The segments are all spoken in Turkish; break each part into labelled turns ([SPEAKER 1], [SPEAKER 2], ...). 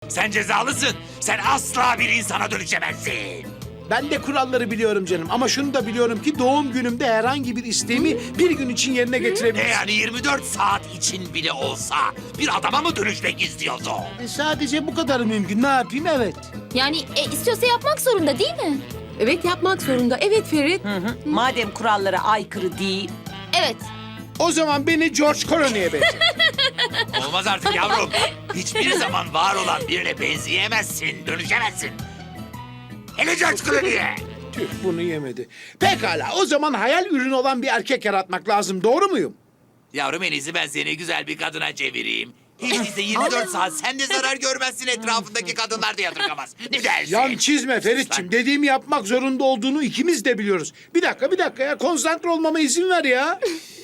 [SPEAKER 1] Sen cezalısın. Sen asla bir insana dönüşemezsin.
[SPEAKER 2] Ben de kuralları biliyorum canım ama şunu da biliyorum ki doğum günümde herhangi bir isteğimi bir gün için yerine
[SPEAKER 1] Ne
[SPEAKER 2] getirebilirim.
[SPEAKER 1] yani 24 saat için bile olsa bir adama mı dönüşmek istiyorsun?
[SPEAKER 2] Sadece bu kadar mümkün. Ne yapayım? Evet.
[SPEAKER 3] Yani istiyorsa yapmak zorunda değil mi?
[SPEAKER 4] Evet yapmak zorunda. Evet Ferit.
[SPEAKER 5] Madem kurallara aykırı değil.
[SPEAKER 3] Evet.
[SPEAKER 2] O zaman beni George Clooney'e benzer.
[SPEAKER 1] Olmaz artık yavrum. Hiçbir zaman var olan birine benzeyemezsin, dönüşemezsin. Hele George Clooney'e.
[SPEAKER 2] Tüh, bunu yemedi. Pekala, o zaman hayal ürünü olan bir erkek yaratmak lazım. Doğru muyum?
[SPEAKER 1] Yavrum en iyisi ben seni güzel bir kadına çevireyim. Hiç değilse 24 saat sen de zarar görmezsin, etrafındaki kadınlar da yadırgamaz. Ne dersin?
[SPEAKER 2] Yan çizme Feritçim. Dediğimi yapmak zorunda olduğunu ikimiz de biliyoruz. Bir dakika ya. Konsantre olmama izin ver ya.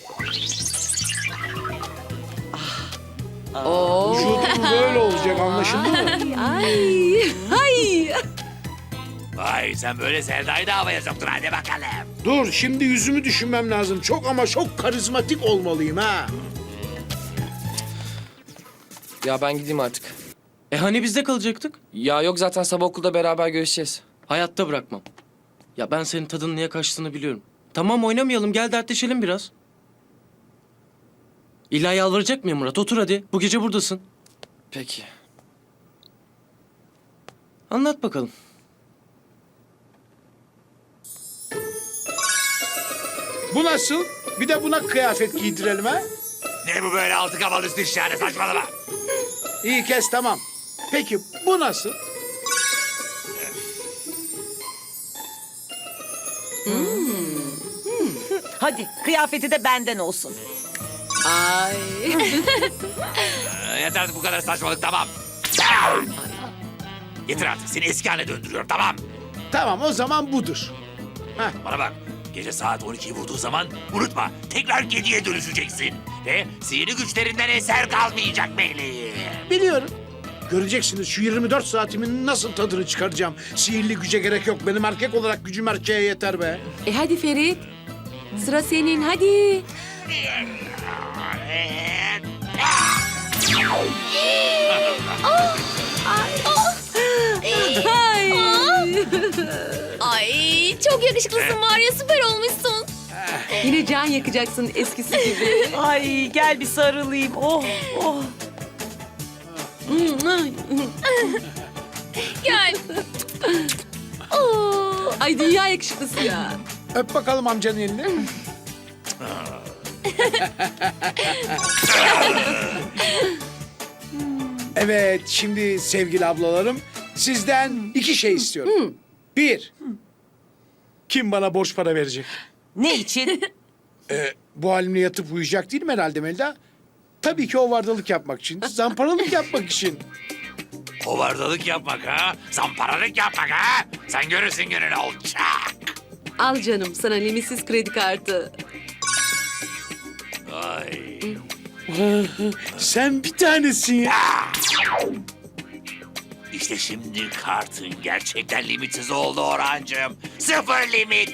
[SPEAKER 2] Vücudum böyle olacak, anlaşıldı mı?
[SPEAKER 4] Ay. Ay.
[SPEAKER 1] Vay sen böyle Selda'yı da havaya soktun, hadi bakalım.
[SPEAKER 2] Dur, şimdi yüzümü düşünmem lazım. Çok ama çok karizmatik olmalıyım ha.
[SPEAKER 6] Ya ben gideyim artık.
[SPEAKER 7] Hani bizde kalacaktık?
[SPEAKER 6] Ya yok zaten sabah okulda beraber görüşeceğiz.
[SPEAKER 7] Hayatta bırakmam. Ya ben senin tadının niye kaçtığını biliyorum. Tamam oynamayalım, gel dertleşelim biraz. İlla yalvaracak mıyım Murat? Otur hadi. Bu gece buradasın.
[SPEAKER 6] Peki.
[SPEAKER 7] Anlat bakalım.
[SPEAKER 2] Bu nasıl? Bir de buna kıyafet giydirelim ha?
[SPEAKER 1] Ne bu böyle altı kafalı üstü şahane, saçmalama.
[SPEAKER 2] İyi kes, tamam. Peki bu nasıl?
[SPEAKER 5] Hadi kıyafeti de benden olsun.
[SPEAKER 4] Ay.
[SPEAKER 1] Yeter artık bu kadar saçmalık, tamam. Yeter artık, seni eski haline döndürüyorum, tamam.
[SPEAKER 2] Tamam, o zaman budur.
[SPEAKER 1] Bana bak, gece saat 12'yi vurduğu zaman unutma, tekrar kediye dönüşeceksin. Ve sihirli güçlerinden eser kalmayacak meleğim.
[SPEAKER 2] Biliyorum. Göreceksiniz şu 24 saatimin nasıl tadını çıkaracağım. Sihirli güce gerek yok. Benim erkek olarak gücüm erkeğe yeter be.
[SPEAKER 4] Hadi Ferit. Sıra senin hadi. Ay.
[SPEAKER 3] Ay çok yakışıklısın var ya, süper olmuşsun.
[SPEAKER 4] Yine can yakacaksın eskisi gibi.
[SPEAKER 5] Ay gel bir sarılayım. Oh oh.
[SPEAKER 3] Gel. Oo.
[SPEAKER 4] Ay dünya yakışıklısı ya.
[SPEAKER 2] Öp bakalım amcanın elini. Evet, şimdi sevgili ablalarım, sizden 2 şey istiyorum. 1, kim bana borç para verecek?
[SPEAKER 5] Ne için?
[SPEAKER 2] Bu halimle yatıp uyuyacak değilim herhalde Melda. Tabii ki o vardalık yapmak için, zamparalık yapmak için.
[SPEAKER 1] Hovardalık yapmak ha, zamparalık yapmak ha. Sen görürsün gününü olacak.
[SPEAKER 4] Al canım sana limitsiz kredi kartı.
[SPEAKER 1] Ay.
[SPEAKER 2] Sen bir tanesin ya.
[SPEAKER 1] İşte şimdi kartın gerçekten limitsiz oldu Orhancığım. 0 limit.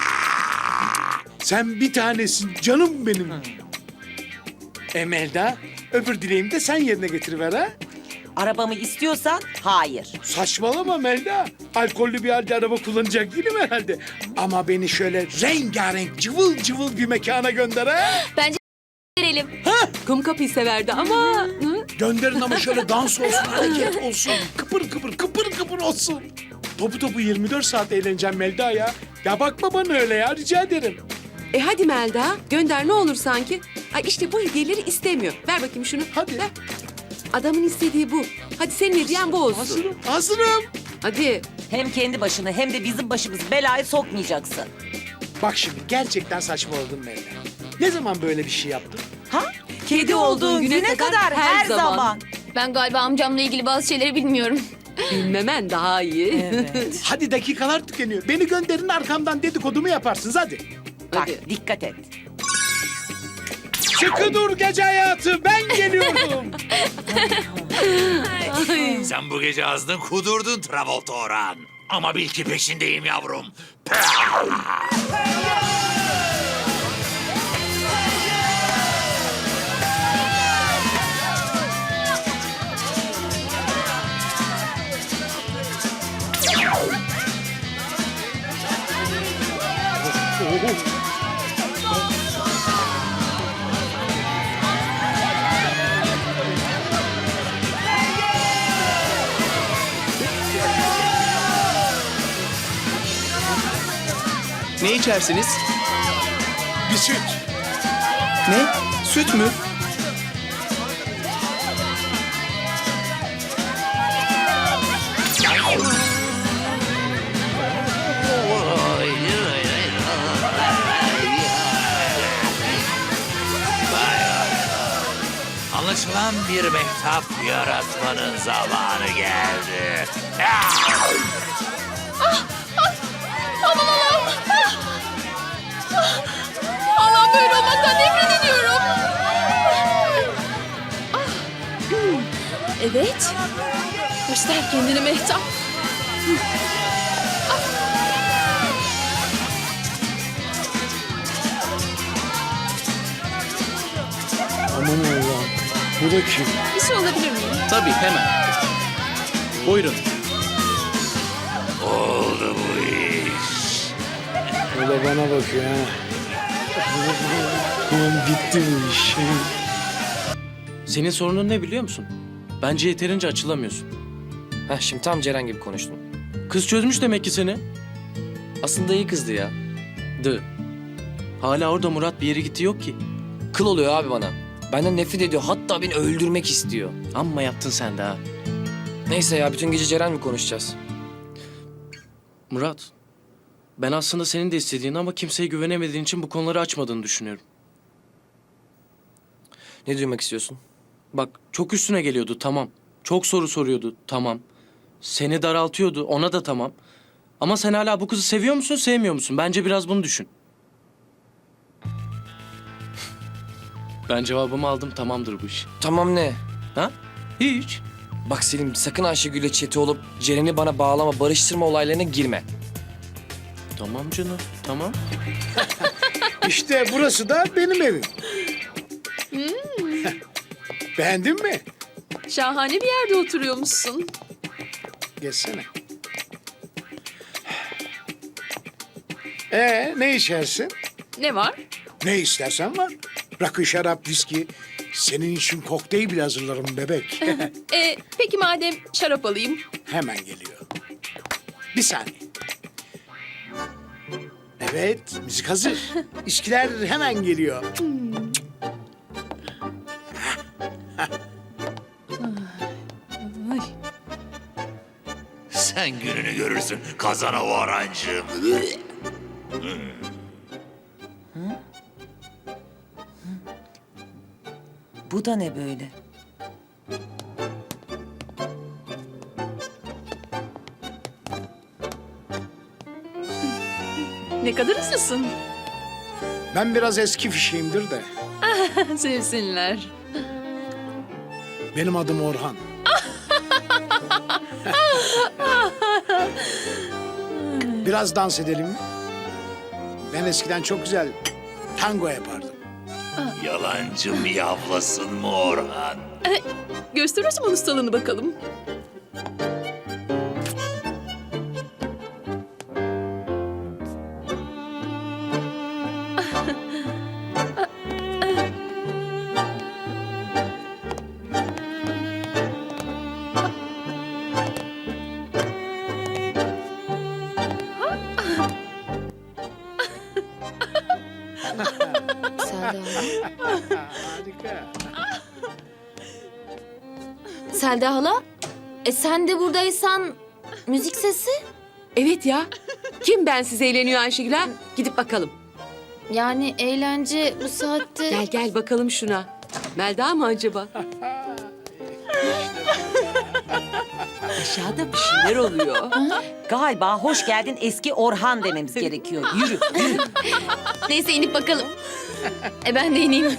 [SPEAKER 2] Sen bir tanesin canım benim. Melda, öbür dileğimi de sen yerine getiriver ha.
[SPEAKER 5] Arabamı istiyorsan hayır.
[SPEAKER 2] Saçmalama Melda. Alkollü bir halde araba kullanacak değilim herhalde. Ama beni şöyle rengarenk, cıvıl cıvıl bir mekana gönder ha.
[SPEAKER 3] Bence verelim.
[SPEAKER 4] Kum kapıyı severdi ama... Hı?
[SPEAKER 2] Gönderin ama şöyle dans olsun, hareket olsun. Kıpır kıpır, kıpır kıpır olsun. Topu topu 24 saat eğleneceğim Melda ya. Ya bakma bana öyle ya, rica ederim.
[SPEAKER 4] Hadi Melda gönder ne olur sanki. Ay işte bu hediyeleri istemiyor. Ver bakayım şunu.
[SPEAKER 2] Hadi.
[SPEAKER 4] Ver. Adamın istediği bu. Hadi senin hediyen bu olsun.
[SPEAKER 2] Hazırım.
[SPEAKER 4] Hadi.
[SPEAKER 5] Hem kendi başını hem de bizim başımızı belaya sokmayacaksın.
[SPEAKER 2] Bak şimdi gerçekten saçmaladım Melda. Ne zaman böyle bir şey yaptın?
[SPEAKER 5] Ha? Kedi olduğun güne kadar her zaman.
[SPEAKER 3] Ben galiba amcamla ilgili bazı şeyleri bilmiyorum.
[SPEAKER 4] Bilmemen daha iyi.
[SPEAKER 5] Evet.
[SPEAKER 2] Hadi dakikalar tükeniyor. Beni gönderin, arkamdan dedikodumu yaparsınız hadi.
[SPEAKER 5] Bak
[SPEAKER 4] Hadi.
[SPEAKER 5] dikkat et.
[SPEAKER 2] Sıkı dur gece hayatı, ben geliyorum.
[SPEAKER 1] Sen bu gece azdın kudurdun Travolta Orhan. Ama bil ki peşindeyim yavrum.
[SPEAKER 8] Ne içersiniz?
[SPEAKER 2] Bir süt.
[SPEAKER 8] Ne? Süt mü?
[SPEAKER 1] Anlaşılan bir mehtap yaratmanın zamanı geldi.
[SPEAKER 3] Aman Allah'ım. Allah'ım böyle olmaktan nefret ediyorum. Evet. Göster kendini Mehtap.
[SPEAKER 2] Aman Allah'ım. Bu da kim?
[SPEAKER 3] Bir şey olabilir miyim?
[SPEAKER 8] Tabii hemen. Buyurun.
[SPEAKER 1] Oldu bu iş.
[SPEAKER 2] O da bana bakıyor ha. Ulan bitti bu iş.
[SPEAKER 7] Senin sorunun ne biliyor musun? Bence yeterince açılamıyorsun.
[SPEAKER 6] Heh, şimdi tam Ceren gibi konuştun.
[SPEAKER 7] Kız çözmüş demek ki seni.
[SPEAKER 6] Aslında iyi kızdı ya.
[SPEAKER 7] Hala orada Murat, bir yere gitti yok ki.
[SPEAKER 6] Kıl oluyor abi bana. Benden nefret ediyor. Hatta beni öldürmek istiyor.
[SPEAKER 7] Amma yaptın sen de ha.
[SPEAKER 6] Neyse ya, bütün gece Ceren mi konuşacağız?
[SPEAKER 7] Murat, ben aslında senin de istediğin ama kimseye güvenemediğin için bu konuları açmadığını düşünüyorum.
[SPEAKER 6] Ne duymak istiyorsun?
[SPEAKER 7] Bak, çok üstüne geliyordu, tamam. Çok soru soruyordu, tamam. Seni daraltıyordu, ona da tamam. Ama sen hala bu kızı seviyor musun, sevmiyor musun? Bence biraz bunu düşün. Ben cevabımı aldım, tamamdır bu iş.
[SPEAKER 6] Tamam ne?
[SPEAKER 7] Ha? Hiç.
[SPEAKER 6] Bak Selim, sakın Ayşegül'le çete olup Ceren'i bana bağlama, barıştırma olaylarına girme.
[SPEAKER 7] Tamam canım, tamam.
[SPEAKER 2] İşte burası da benim evim. Beğendin mi?
[SPEAKER 4] Şahane bir yerde oturuyormuşsun.
[SPEAKER 2] Geçsene. Ne içersin?
[SPEAKER 4] Ne var?
[SPEAKER 2] Ne istersen var. Rakı, şarap, viski. Senin için kokteyl bile hazırlarım bebek.
[SPEAKER 4] Peki madem şarap alayım.
[SPEAKER 2] Hemen geliyor. Bir saniye. Evet, müzik hazır. İçkiler hemen geliyor.
[SPEAKER 1] Sen gününü görürsün kazana varancım.
[SPEAKER 5] Bu da ne böyle?
[SPEAKER 4] Ne kadar hızlısın.
[SPEAKER 2] Ben biraz eski fişiyimdir de.
[SPEAKER 4] Sevsinler.
[SPEAKER 2] Benim adım Orhan. Biraz dans edelim mi? Ben eskiden çok güzel tango yapardım.
[SPEAKER 1] Yalancım yavlasın mı Orhan?
[SPEAKER 4] Göster o zaman ustalığını bakalım.
[SPEAKER 2] Harika.
[SPEAKER 3] Selda hala? Sen de buradaysan müzik sesi?
[SPEAKER 4] Evet ya. Kim bensiz eğleniyor Ayşegül ha? Gidip bakalım.
[SPEAKER 3] Yani eğlence bu saatte...
[SPEAKER 4] Gel gel bakalım şuna. Melda mı acaba? Aşağıda bir şeyler oluyor.
[SPEAKER 5] Galiba hoş geldin eski Orhan dememiz gerekiyor. Yürü, yürü.
[SPEAKER 3] Neyse inip bakalım. Ben de ineyim.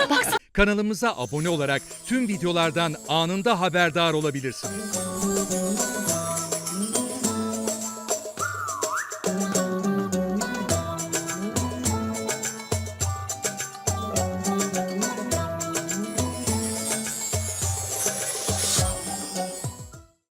[SPEAKER 9] Kanalımıza abone olarak tüm videolardan anında haberdar olabilirsiniz.